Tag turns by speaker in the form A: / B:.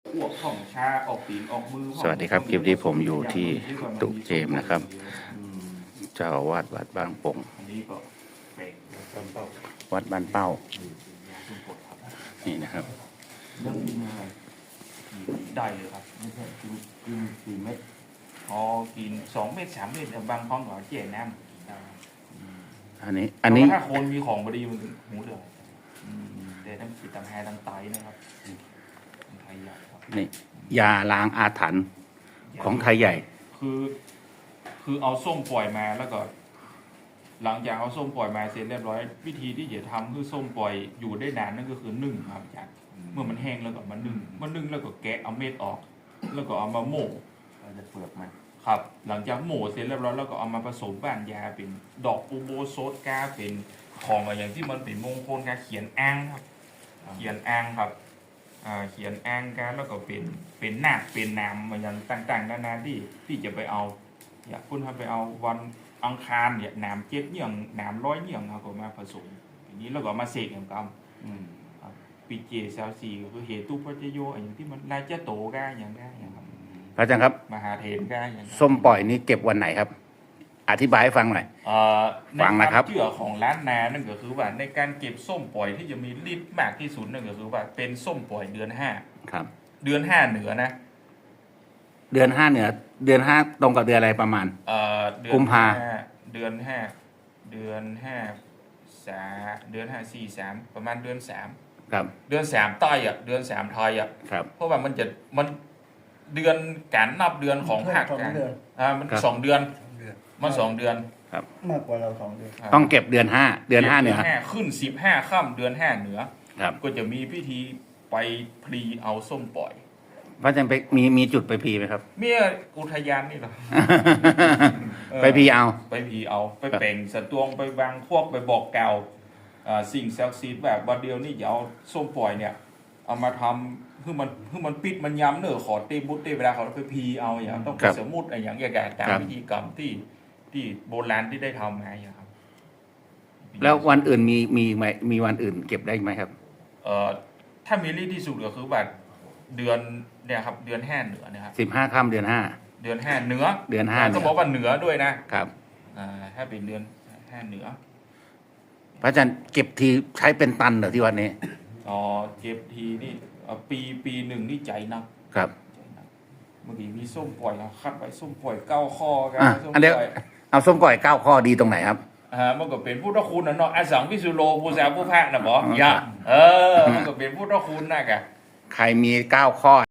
A: อ้วกของชาออกตีนออกมือ
B: สวัสดีครับคลิปนี้ผมอยู่ที่ตุเจมส์นะครับ เจ้าอาวาสวัดบางปง
A: อันนี้ก็เป็น
B: วัดบ้านเป้าย
A: าสุ่มปดครับ
B: นี่นะครับ
A: เรื่องกินอะไรได้เลยครับไม่ใช่กิน4 เม็ดพอกิน2 เม็ด3 เม็ดบางครั้งก็เจ๊น้ำ
B: อันนี้
A: ถ้าคนมีของบดีมันหูเดือดแต่ต้องปิดตำแหตำไตนะครับไทยใหญ่ครับ
B: นี่ยาล้างอาถรรพ์ของไทยใหญ่
A: คือเอาส้มปล่อยมาแล้วก็ หลังจากเอาส้มปล่อยมาเสร็จเรียบร้อยวิธีที่จะทำคือส้มปล่อยอยู่ได้นานนั่นก็คือนึ่งครับอาจารย์เมื่อมันแห้งแล้วก็มานึ่งแล้วก็แกะเอาเม็ดออก แล้วก็เอามาโม่จะเปลือกมันครับ หลังจากโม่เสร็จเรียบร้อยแล้วก็เอามาผสมบ้านยาเป็นดอกอูโบโซดกาเป็นของอะไรอย่างที่มันเป็นมงคลการเขียนอ้างครับเขียนอ้างครับเขียนอ้างกันแล้วก็เป็นหน้าเป็นนามอย่างต่างๆนานาที่จะไปเอาอยากคุณทำไปเอาวันอังคารเนี่ยหนามเจ็ดเหยี่ยงหนามร้อยเหยี่ยงเอาก็มาผสมอย่างนี้แล้วก็มาเสกอย่างกำปีเจซาวซีก็คือเหตุปัจจโยอย่างที่มันนายเจ้าโตก้าอย่างได้อย่างครับ
B: พระอาจารย์ครับ
A: มหาเถรก้าอย่าง
B: ส้มปล่อยนี้เก็บวันไหนครับ อธิบายให้ฟังหน่อย ฟังนะครับ
A: ในวามเชื่อของล้านนานั่นก็คือว่าในการเก็บส้มปล่อยที่จะมีฤทธิ์มากที่สุดนั่นก็คือว่าเป็นส้มปล่อยเดือน5
B: ครับ
A: เดือน5เหนือนะ
B: เดือน5เหนือเดือน5ตรงกับเดือนอะไรประมาณ
A: เดือน
B: กุมภา
A: เดือน5เดือน5 เดือน5 4 3ประมาณเดือน3
B: ครับ
A: เดือน3ใต้เดือน3ไทย
B: ครับ
A: เพราะว่ามันเดือนการนับเดือนของภาคกลางมัน2 เดือนมัน2 เดือน
B: ครับ
C: มากกว่าเรา2 เดือน
B: ต้องเก็บเดือน5เดือน5เหนือ
A: ขึ้น15ค่ำเดือน5เหนือ
B: ครับ
A: ก็จะมีพิธีไปพลีเอาส้มปล่อย
B: พระอาจารย์ไปมีจุดไปพีไหมครับ
A: เมียอุทยานนี่เหรอ
B: ไปพีเอา
A: ไปพีเอาไปเป่งสตวงไปวางพวกไปบอกกล่าวสิ่งศักดิ์สิทธิ์แบบวันเดียวนี่อย่าเอาส้มปล่อยเนี่ยเอามาทำคือมันปิดมันย้ำเนอะขอเตบุตเตเวลาเขาไปพีเอาอย่างต้องไปสมมุติอะไรอย่างเงี้ยตามพิธีกรรมที่โบราณที่ได้ทำมาอย่างครับ
B: แล้ววันอื่นมีวันอื่นเก็บได้ไหมครับ
A: ถ้ามีรีที่สุดก็คือแบบเดือนเนี่ยครับเดือน5เหนือนะครับ
B: 15ค่ำเดือน
A: เดือน5เหนือ
B: เดือน5
A: ก็บอกว่าเหนือด้วยนะครับ ถ้าเป็นเดือน5เหนือ
B: พระอาจารย์เก็บทีใช้เป็นตันเหรอที่วันนี้
A: เก็บทีนี่ปีหนึ่งนี่ใจนัก
B: ครับ
A: เมื่อกี้มีส้มปล่อยคัดไว้ส้มปล่อย9 ข้อกัน
B: อันเดียวเอาส้มปล่อย9 ข้อดีตรงไหนครับ
A: มันก็เป็นพุทธคุณนะเนาะอสังวิสุโลผู้สาวผู้พากนะบอกอย่ามันก็เป็นพุทธคุณนะแก
B: ใครมี9 ข้อ